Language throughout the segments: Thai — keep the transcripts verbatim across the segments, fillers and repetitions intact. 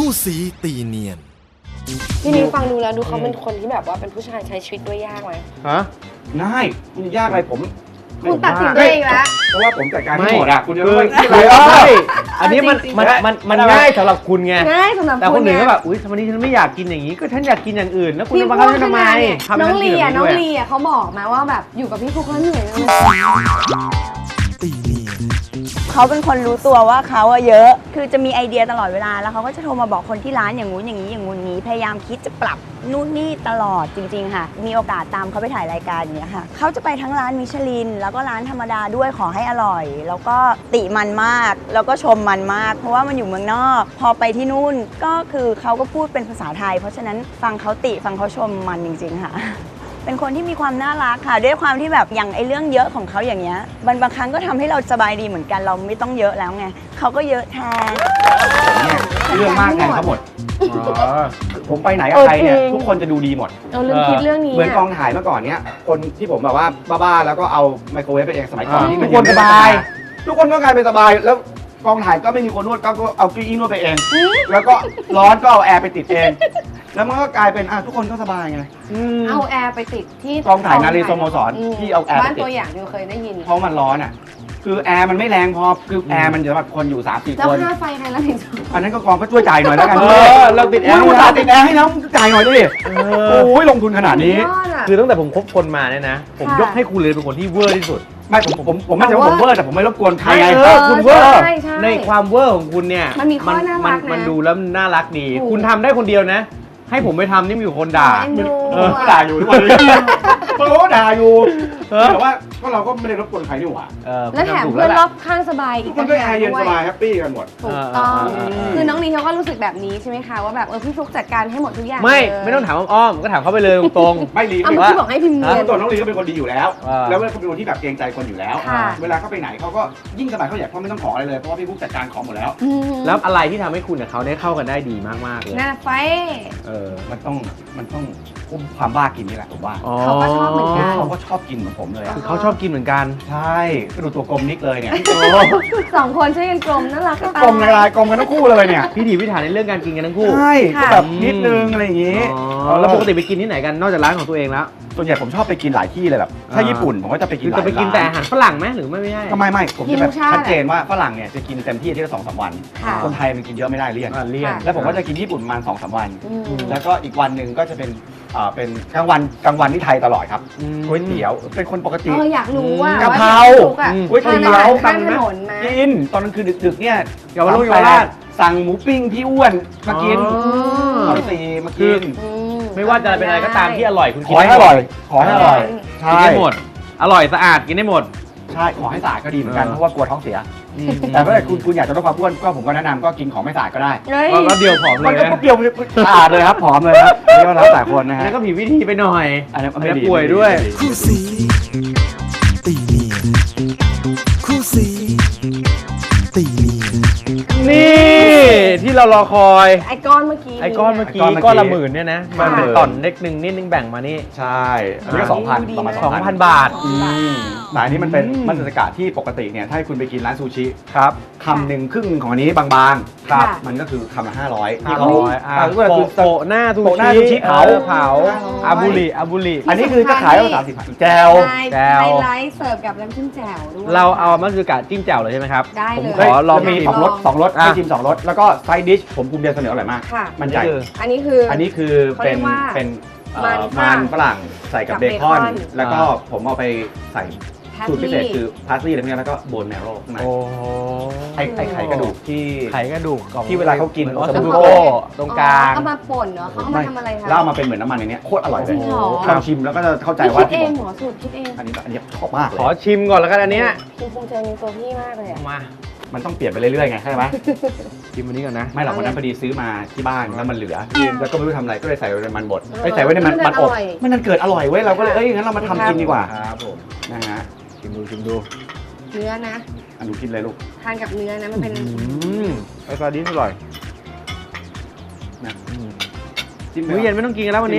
คู่สีตีเนียนพี่นิ้วฟังดูแล้วดูเขาเป็นคนที่แบบว่าเป็นผู้ชายใช้ชีวิตด้วยยากไหมฮะง่ายมันยากอะไรผมคุณตัดสินตัวเองแล้วเพราะว่าผมจัดการให้หมดอ่ะคุณจะไม่ไม่ใช่อันนี้มันมันมันมันง่ายสำหรับคุณไงง่ายสำหรับแต่คนอื่นก็แบบอุ้ยทำไมนี่ฉันไม่อยากกินอย่างนี้ก็ฉันอยากกินอย่างอื่นแล้วคุณจะมาคับฉันทำไมน้องลีอ่ะน้องลีอ่ะเขาบอกมาว่าแบบอยู่กับพี่ฟุกแล้วเหนื่อยเลยตีเนียนเขาเป็นคนรู้ตัวว่าเขาอะเยอะคือจะมีไอเดียตลอดเวลาแล้วเขาก็จะโทรมาบอกคนที่ร้านอย่างงู้นอย่างนี้อย่างงู้นนี้พยายามคิดจะปรับนู่นนี่ตลอดจริงๆค่ะมีโอกาสตามเขาไปถ่ายรายการอย่างเงี้ยค่ะเขาจะไปทั้งร้านมิชลินแล้วก็ร้านธรรมดาด้วยขอให้อร่อย แล้วก็ติมันมากแล้วก็ชมมันมากเพราะว่ามันอยู่เมืองนอกพอไปที่นู่นก็คือเขาก็พูดเป็นภาษาไทยเพราะฉะนั้นฟังเขาติฟังเขาชมมันจริงๆค่ะเป็นคนที่มีความน่ารักค่ะด้วยความที่แบบอย่างไอ้เรื่องเยอะของเขาอย่างเงี้ยบางบางครั้งก็ทำให้เราสบายดีเหมือนกันเราไม่ต้องเยอะแล้วไงเขาก็เยอะแทนผมเนี่ยเรื่องมากแทนเขาหมดผมไปไหนกับใครเนี่ยทุกคนจะดูดีหมดเราลืมคิดเรื่องนี้เหมือนกองถ่ายเมื่อก่อนเนี้ยคนที่ผมแบบว่าบ้าๆแล้วก็เอาไมโครเวฟไปเองสมัยก่อนที่ทุกคนสบายทุกคนก็กลายเป็นสบายแล้วกองถ่ายก็ไม่มีคนนวดก็เอาเก้าอี้นวดไปเองแล้วก็ร้อนก็เอาแอร์ไปติดเองแล้วมันก็กลายเป็นอ่ะทุกคนก็สบายไงเอาแอร์ไปติดที่กองถ่ายนารีสโมสรที่เอาแอร์บ้านตัวอย่างที่เคยได้ยินเพราะมันร้อนอ่ะคือแอร์มันไม่แรงพอคือแอร์มันสำหรับคนอยู่ สามสี่ คนแล้วค่าไฟใครรับผิดชอบอันนั้นก็กองก็ช่วยจ่ายหน่อยแล้วกันเออเราติดแอร์มึงอุตส่าห์ติดแอร์ให้แล้วจ่ายหน่อยดิโอ้ยลงทุนขนาดนี้คือตั้งแต่ผมคบคนมาเนี่ยนะผมยกให้คุณเลยเป็นคนที่เวอร์ที่สุดไม่ผมผมผมไม่ใช่ว่าผมเวอร์แต่ผมไม่รบกวนใครไงคุณเวอร์ในความเวอร์ของคุณเนี่ยมันมีข้อน่ารักนะมันดูแล้วน่ารักดีคุณทำได้คนเดียวนะให้ผมไปทำนี่มีอยู่คนด่าเออด่าอยู่ทุกวันนี้เพราะว่าด่าอยู่แต่ว่าก็เราก็ไม่ได้รบกวนใครนี่หว่าแล้วแถมเพื่อนรอบข้างสบายอีกคนก็แอร์เย็นสบายแฮปปี้กันหมดถูกต้องคือน้องลีเขาก็รู้สึกแบบนี้ใช่ไหมคะว่าแบบเออพี่ฟลุ๊กจัดการให้หมดทุกอย่างไม่ไม่ต้องถามอ้อมก็ถามเขาไปเลยตรงๆไม่ลีว่าที่บอกให้พิมพ์เงินตัวน้องลีก็เป็นคนดีอยู่แล้วแล้วเขาเป็นคนที่แบบเกรงใจคนอยู่แล้วเวลาเขาไปไหนเขาก็ยิ่งสบายเขาอยากเขาไม่ต้องขออะไรเลยเพราะว่าพี่ฟลุ๊กจัดการของหมดแล้วแล้วอะไรที่ทำให้คุณกับเขาได้เข้ากันได้ดีมากๆเลยน่าไฟเออมันต้องมันต้องอุ้มความบ้ากินนี่แหละผมว่าเขาก็ชอบเหมือนกันเขาก็ชอบกินเหมือนผมเลยคือเขาชอบกินเหมือนกันใช่ก็ดูตัวกลมนิกเลยเนี่ยสองคนช่วยกันกลมน่ารักก็กลมในลายกลมกันทั้งคู่เลยเนี่ยพี่ถีพิถันในเรื่องการกินกันทั้งคู่ใช่ก็แบบนิดนึงอะไรอย่างงี้แล้วปกติไปกินที่ไหนกันนอกจากร้านของตัวเองแล้วส่วนใหญ่ผมชอบไปกินหลายที่เลยแบบถ้าญี่ปุ่นผมก็จะไปกินหลายร้านจะไปกินแต่อาหารฝรั่งไหมหรือไม่ไม่ใช่ก็ไม่ไม่ผมจะแบบชัดเจนว่าฝรั่งเนี่ยจะกินเต็มที่ที่ละสองสามวันคนไทยมันกินเยอะไม่ได้เลี่ยนเลี่ยนแล้วผมก็จะกินญี่ปุ่นประมาณสองสามวันแล้วก็อีกวันหนึ่งก็จะเป็นอ่าเป็นกลางวันกลางวันที่ไทยตลอดครับก๋วยเตี๋ยวเป็นคนปกติเอออยากรู้ว่ากะเพราก๋วยเตี๋ยวข้างถนนนะกินตอนกลางคืนดึกๆเนี่ยเยาวราชสั่งหมูปิ้งพี่อ้วนมากินเอาสีมากินไม่ว่าจะเป็นอะไรก็ตามที่อร่อยคุณกินให้อร่อยขอให้อร่อยกินได้หมดอร่อยสะอาดกินได้หมดใช่ขอให้สะอาดก็ดีเหมือนกันเพราะว่ากลัวท้องเสียแต่ถ้าคุณคุณอยากจะลดความอ้วนก็ผมก็แนะนำก็กินของไม่สะอาดก็ได้ก็เดียวผอมเลยมันก็เปรี้ยวสะอาดเลยครับผอมเลยครับนี่ก็แล้วแต่คนนะฮะแล้วก็ผิดวิธีไปหน่อยอันนี้ไม่ป่วยด้วยคู่สีตีเนียนคู่สีตีเนียนนี่ที่เรารอคอยไอ้ก้อนเมื่อกี้ไอ้ก้อนเมื่อกี้ก้อนละหมื่นเนี่ยนะมันเป็นต่อนเล็กนึงนิดนึงแบ่งมานี่ใช่อันนี้ก็สองพันประมาณสองพันบาทแต่อันนี้มันเป็นมัตสึกะที่ปกติเนี่ยถ้าคุณไปกินร้านซูชิครับคำหนึ่งครึ่งของอันนี้บางๆครับมันก็คือคำละห้าร้อยห้าร้อยโปะหน้าซูชิเผาเผาอาบุริอาบุริอันนี้คือจะขายตั้งสามสิบแจวแจวไฮไลท์เสิร์ฟกับน้ำจิ้มแจ่วด้วยเราเอามัตสึกะจิ้มแจ่วเลยใช่ไหมครับได้เลยผมขอลองมีสองรสสองรสให้ชิมสองรสแล้วก็ไซด์ดิชผมภูมิใจเสนออร่อยมากมันใหญ่อันนี้คืออันนี้คือเป็นเป็นมันฝรั่งใส่กับเบคอนแล้วก็ผมเอาไปใส่สูตรพิเศษคือพาสลีย์อะไรพวกนี้แล้วก็โบนแมโร่ข้างในไอไอไข่กระดูกที่ไข่กระดูกที่เวลาเขากินออสบูโกตรงกลางเอามาป่นเนาะเขาเอามาทำอะไรคะแล้วเอามาเป็นเหมือนน้ำมันในนี้โคตรอร่อยเลยลองชิมแล้วก็จะเข้าใจว่าคิดเองหมอสูตรคิดเองอันนี้อันนี้ชอบมากเลยขอชิมก่อนแล้วกันอันนี้คุณภูมิใจในตัวพี่มากเลยอะมามันต้องเปลี่ยนไปเรื่อยๆไงใช่ไหมชิมอันนี้ก่อนนะไม่หรอกวันนั้นพอดีซื้อมาที่บ้านแล้วมันเหลือแล้วก็ไม่รู้ทำอะไรก็เลยใส่ไว้ในมันบดไปใส่ไว้ในมันมันอบมันนั่นเกิดอร่อยเว้ยเราก็เลยเอ้ยงั้นเรามาทำกินดีกว่าครับผมนะฮะชิมดูชิมดูเนื้อนะอันดูกินเลยลูกทานกับเนื้อนะมันเป็นไอ้ซาดิสอร่อยนะจิ้มมื้อเย็นไม่ต้องกินกันแล้ววันนี้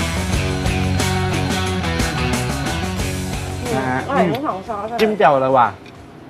อร่อยทั้งสองซอสจิ้มแจ่วเลยว่ะ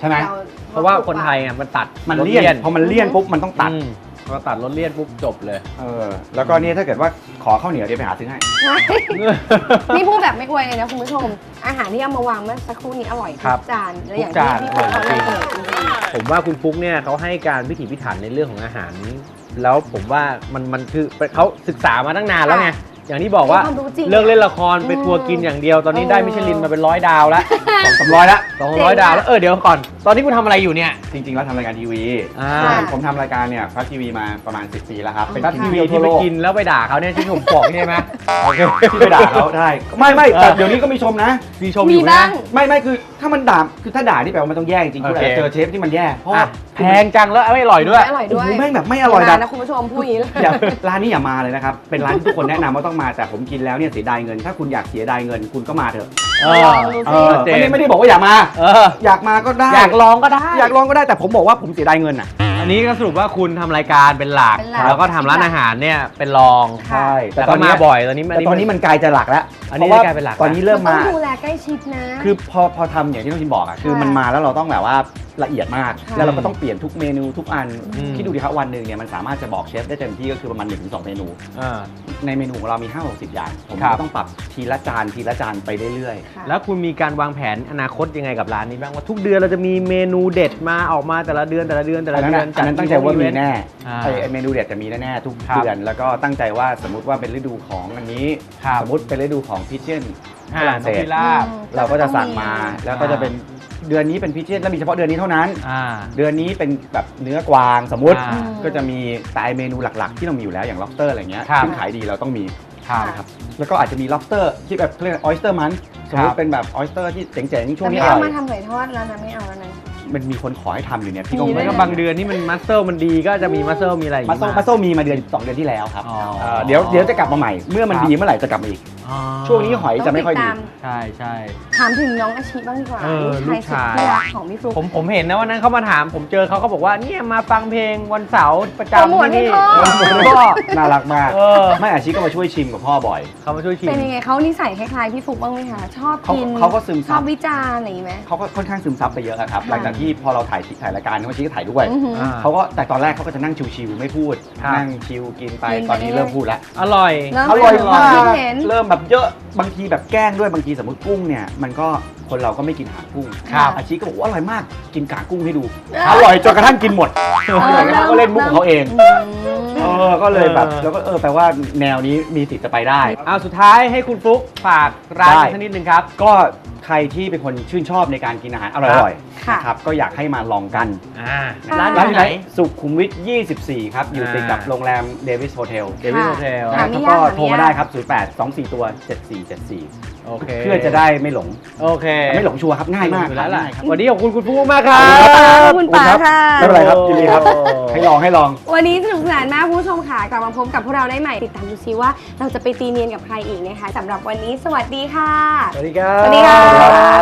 ใช่ไหมเพราะว่าคนไทยอ่ะมันตัดมันรสเลี่ยนพอมันเลี่ยนปุ๊บมันต้องตัดอืมพอตัดรสเลี่ยนปุ๊บจบเลยเออแล้วก็เนี่ยถ้าเกิดว่าขอข้าวเหนียวเดี๋ยวไปหาซื้อให้นี่พูดแบบไม่อวยเลยนะคุณผู้ชม อาหารที่เอามาวางเมื่อสักครู่นี้อร่อยครัทุบกจานและอย่างทุกจานที่พี่ฟุ๊กเขาอร่อยจริงนำเสนอจริงผมว่าคุณฟุ๊กเนี่ยเขาให้การพิถีพิถันในเรื่องของอาหาร แล้วผมว่ามันมันคือเขาศึกษามาตั้งนานแล้วไงอย่างที่บอกว่าความรู้จริงเลิกเล่นละครไปทัวร์กินอย่างเดียวตอนนี้ได้เออมิชลินมาเป็นร้อยดาวแล้วสองสามร้อยละสองร้อยดาวแล้วเออเดี๋ยวก่อน ตอนนี้คุณทำอะไรอยู่เนี่ยจริงๆแล้วทำรายการทีวีอ่าผมทำรายการเนี่ยฟักทีวีมาประมาณสิบปีแล้วครับเป็นทัพทีทีวีวีทั่ที่วไปโลกกินแล้วไปด่าเขาเนี่ยที่ผมบอกใช่ไหมโอเคที่ไปด่าเขาได้ไม่ไม่แต่เดี๋ยวนี้ก็มีชมนะมีชมๆอมียู่นะบ้างไม่ไม่คือถ้ามันด่าคือถ้าด่านี่แปลว่ามันต้องแย่จริงๆคุณอาจจะเจอเชฟที่มันแย่เพราะว่าอ่ะแพงจังแล้วไม่อร่อยด้วยไม่อร่อยโอ้ด้วยโหแม่งแบบไม่อร่อยร้าดันบนะคุณผู้ชมพูดอย่างนี้เลยอย่าร้านนี้อย่ามาเลยนะครับ เป็นร้านที่ทุกคนแนะนำว่าต้องมาแต่ผมกินแล้วเนี่ยเสียดายเงิน ถ้าคุณอยากเสียดายเงินคุณก็มาเถอะเออลองดูเอสิอไม่ได้ไม่ได้บอกว่าอย่ามาเอออยากมาก็ได้อยากลองก็ได้อยากลองก็ได้แต่ผมบอกว่าผมเสียดายเงินอ่ะอันนี้ก็สรุปว่าคุณทำรายการเป็นหลักเป็นหลักแล้วก็ทำร้านอาหารเนี่ยเป็นรองค่ะแต่ตอนนี้บ่อยตอนนี้แต่ตอนนี้มันกลายจะหลักแล้วอันนี้พระว่กลายเป็นหลักตอนนี้เริ่มต้อมางดูแลใกล้ชิดนะคือพอพอทำอย่างที่น้องชินบอกอ่ะคือค่ะมันมาแล้วเราต้องแบบว่าละเอียดมากค่ะแล้วเราก็ต้องเปลี่ยนทุกเมนูทุกอันอืมคิดดูดิครับวันหนึ่งเนี่ยมันสามารถจะบอกเชฟได้เต็มที่ก็คือประมาณหนึ่งถึงสองเมนูอ่าในเมนูของเรามีห้าหกสิบอย่าง ผมครับก็ต้องปรับทีละจานทีละจานไปเรื่อยค่ะแล้วคุณมีการวางแผนอนาคตยังไงกับร้านนี้บ้างว่าทุกเดือนเราจะมีเมนูเด็ดมาออกมาแต่ละเดือนแต่ละเดือนแต่ๆอัละนนั้นเดือนน่ะอันนั้นตั้งใจว่ามีแน่อ่าไอ้ไอ้เมนูเด็ดจะมีแน่ๆทุกครับเดือนแล้วก็ตั้งใจว่าสมมุติว่าเป็นฤดูของอันนี้ครับสมมุติเป็นฤดูของพิเชนฝอ่ารั่งเศนกสพิราบอืมเราก็จะสั่งมาแล้วก็จะเป็นเดือนนี้เป็นพิเชนแล้วมีเฉพาะเดือนนี้เท่านั้นอ่าเดือนนี้เป็นแบบเนื้อกวางสมมติอ่าก็จะมีแต่ไอ้เมนูหลักๆ ที่เรามีอยู่แล้วอย่าง lobster อะไรเงี้ยครับซึ่งขายดีเราต้องมีครับนะครับแล้วก็อาจจะมี lobster ที่แบบเขาเรียก oyster มันสมมคติรับเป็นแบบ oyster ที่เจ๋งๆช่วแต่งนี้ไม่อเอาร่อมาย ทำหอยทอดแล้วนะไม่เอาแล้วนะมันมีคนขอให้ทำอยู่เนี่ยพี่ก็มีไม่ไม่ก็ก็บางเดือนที่มันมัสเซลมันดีก็จะมีมัสเซลมีอะไรอย่างมางี้โซมาโซมีมาเดือนสองเดือนที่แล้วครับอ๋อเอ่อเดี๋ยวเดี๋ยวจะกลับมาใหม่ เมื่อมันครับดีเมื่อไหร่จะกลับมาอีกอ๋อช่วงนี้หอยจะไม่ค่อยดีต้องติตามใช่ใช่ถามถึงน้องอาชีบ้างดีกว่าเออลูกชายสุดที่รักของพี่ฟลุ๊กผมผมเห็นนะวันนั้นเขามาถามผมเจอเขาเขาบอกว่าเนี่ยมาฟังเพลงวันเสาร์ประโปรโมจำทที่ให้นี่พ่อก็น่ารักมากเออไม่อาชีก็มาช่วยชิมกับพ่อบ่อยเขามาช่วยชิมเป็นยังไงเขานิสัยคล้ายๆพี่ฟลุ๊กบ้างไหมคะชอบเขากินเขาก็ซึมซับชอบวิจารณ์อะไรอย่างงี้ไหมเขาก็ค่อนข้างซึมซับไปเยอะอะครับค่ะหลังจากที่พอเราถ่ายถ่ายรายการเขาชี้ก็ถ่ายด้วยอือหืออ่าเขาก็แต่ตอนแรกเขาก็จะนั่งชิวๆไม่พูดครับนั่งชิวกินไปกินไปตอนนี้เรื่อยๆเริ่มพูดแล้วอร่อยเริ่มอร่อยเป็นมากความคิดเห็นเริ่มแบบเยอะบางทีแบบแกล้งด้วยบางทีสมมติกุ้งเนี่ยมันก็คนเราก็ไม่กินหางกุ้งครับอาชีก็บอกว่าอร่อยมากกินกางกุ้งให้ดูเอออร่อยจนกระทั่งกินหมดเขาก็เล่นมุกของเขาเองอืมเออก็เลยแบบเออแล้วก็เออแปลว่าแนวนี้มีสิทธิ์จะไปได้เอาสุดท้ายให้คุณฟลุ๊กฝากร้านได้สักนิดนึงครับก็ใครที่เป็นคนชื่นชอบในการกินอาหารอร่อยๆค่ะนะครับก็อยากให้มาลองกันอ่าค่ะร้านอร้านยู่ที่ที่ไหไหนนสุขุมวิท ยี่สิบสี่ ครับ อยู่ติดกับอ่าโรงแรมเดวิสโฮเทลเดวิดโฮเทลหาไม่แล้วยากก็หาไม่ยากโทรมาได้ครับ ศูนย์ แปด สอง สี่ ตัว เจ็ด สี่ เจ็ด สี่โอเคเพื่อจะได้ไม่หลงโอเคไม่หลงชัวร์ครับ ง่ายมากอยู่แล้วล่ะง่ายครับวันนี้ขอบคุณคุณฟลุ๊กมากครับขอบคุณป๋าค่ะไม่เป็นไรครับยินดีครับโอ้ให้ลองให้ลองวันนี้สนุกสนานมากคุณผู้ชมค่ะกลับมาพบกับพวกเราได้ใหม่ติดตามดูซิว่าเราจะไปตีเนียนกับใครอีกนะคะสำหรับวันนี้สวัสดีค่ะสวัสดีครับสวัสดีครับ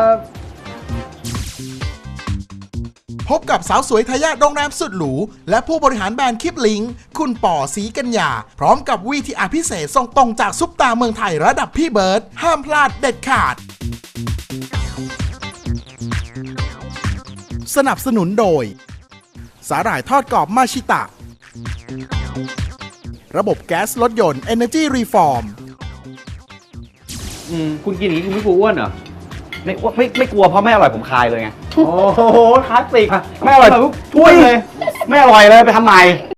พบกับสาวสวยทายาทโรงแรมสุดหรู และผู้บริหารแบรนด์คิปลิงคุณป่อศรีกัญญา พร้อมกับวีทีอาร์พิเศษส่งตรงจากซุปตาเมืองไทยระดับพี่เบิร์ดห้ามพลาดเด็ดขาด สนับสนุนโดย สาหร่ายทอดกรอบมาชิตะ ระบบแก๊สรถยนต์ Energy Reform อืมคุณกินอย่างนี้คุณไม่กลัวอ้วนเหรอไม่ไม่ไม่กลัวเพราะไม่อร่อยผมคายเลยไงโอ้โหคลาสสิกไม่อร่อยทุกช่วยเลย ไม่อร่อยเลยไปทำใหม่